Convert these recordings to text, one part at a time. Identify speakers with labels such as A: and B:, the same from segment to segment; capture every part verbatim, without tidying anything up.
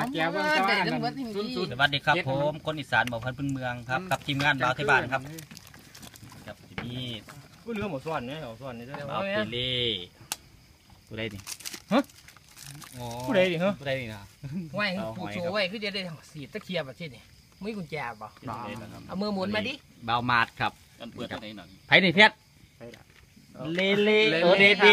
A: แก้วเบิ่งตะวันสุดสุด
B: สวัสดีครับผมคนอีสานบอกพันพื้นเมืองครับกับทีมงานบ่าวที่บ้านครับกับที่นี่
A: ผู้เรือหมดส่วนเนี่ยหมดส่วนนี่
B: บ่าวเปเล่ผู้ใดนี่
A: ผู้ใดดิฮะ
B: ผู้ใดนี่นะ
C: ไว้ผู้โชว์ไว้คือจะได้สีตะเคียบแบบนี้ไม่กุญแจบ่เอามือหมุนมาดิ
B: บ่าวมาดครับ
D: กันเปิดที่ไหนหน่อย
B: ไผนี่เพชรเล่เล่โอเดดี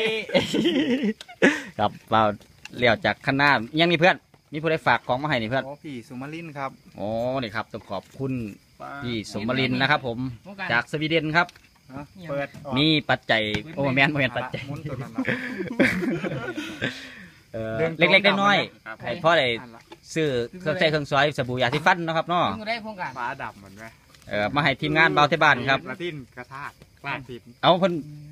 B: ครับบ่าวเลี้ยวจากข้างหน้ายังมีเพื่อนมีผู้ใดฝากของมาให้นี่เพื่อน
E: โอ้พี่สุมาลินครับ
B: โอ้นี่ครับต้องขอบคุณพี่สมรินทร์นะครับผมจากสวีเดนครับ
E: เปิด
B: มีปัจจัยโอ้แมนโมแมนปัจจัย
E: มุนตัวนั้น
B: เออเล็กๆน้อยๆให้พ่อได้ซื้อเครื่องใช้เครื่องซอยสบู่ยาสีฟันนะครับเนาะ
C: มึงได้โครงการ
E: ฟ้าดับเหมือนไหม
B: เออมาให้ทีมงานเบาเทบ้านครับ
E: ละทินกระทากกล้าผิด
B: เอาเพิ่น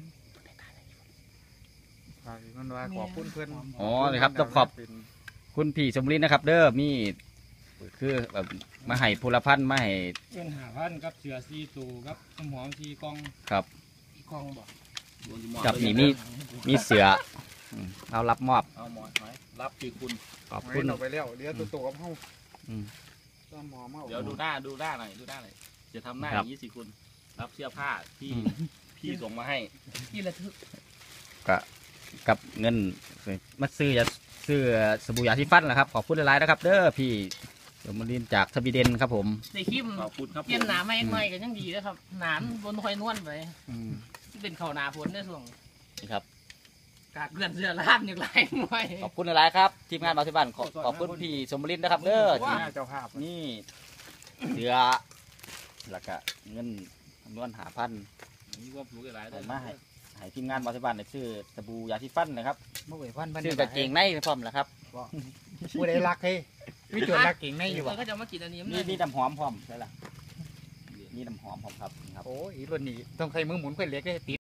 E: มันว่าขอบคุณเพื่อน
B: อ๋อเลยครับต้องขอบคุณพี่สมรินทร์นะครับ เด้อมีคือแบบมาให้พลพันธ์มาให้
A: เงินหาพันกับเสือซีตูกับน้ำหอมซีกอง
B: ครับ
C: กองบอก
B: กับนี่มีมีเสืออืมเรารับมอบ
D: เอาหมอนหอยรับคือคุณ
B: ขอบ
E: คุ
B: คุณ ณ
E: ออกไปแล้วเดี๋ยวตัวตัวกับเฮา
B: อืม
E: ต้มหอมเฮา
D: เดี๋ยวดูหน้าดูหน้าหน่อยดูหน้าหน่อยจะทำหน้าอย่างนี้สิคุณรับเสื้อผ้าที่พี่ส่งมาให้
C: ที่ระทึก
B: ก็กับเงินมาซื้อยาซื้อสบู่ยาสีฟันนะครับขอบคุณหลายๆนะครับ เด้อพี่สมรินทร์จากสวีเดนครับผม
C: ในคลิป
D: ขอบคุณครับ
C: เปลี่ยนหนาไม่ไม่กันยังดีนะครับหนามบนคอยนวลไป
B: อืม
C: ที่เป็นเขาหนาฝนในส่วน
B: นี่ครับ
C: กากเกลื่อนเสื้อลาดอย่างไรไม่
B: ขอบคุณหลายๆครับทีมงานเบาที่บ้านขอขอบคุณพี่สมรินทร์นะครับเด้อที่
E: เจ้าภาพ
B: นี่เสือแล้วก็เงินจำนวนหาพัน
D: นี่ว่ารู้อะไรได้
B: มาให้ให้ทีมงานเบาที่บ้านได้ซื้อสบู่ยาสีฟันนะครับ
E: เมื่อไหร่พันพัน
B: ซื้อกางเกงในพร้อมแล้วครับ
E: ผู้ใดรักเฮ้ยวิจารณ์รักเก่งในอยู่
C: เรา
E: วะ
C: ก็จะมากินอันนี้
B: นี่นี่น้ำหอมพร้อมใช่ละนี่น้ำหอมพร้อมครับนี่ครับ
E: โอ้ยรุ่นนี้ต้องใช้มือหมุนค่อยเล็กได้ติด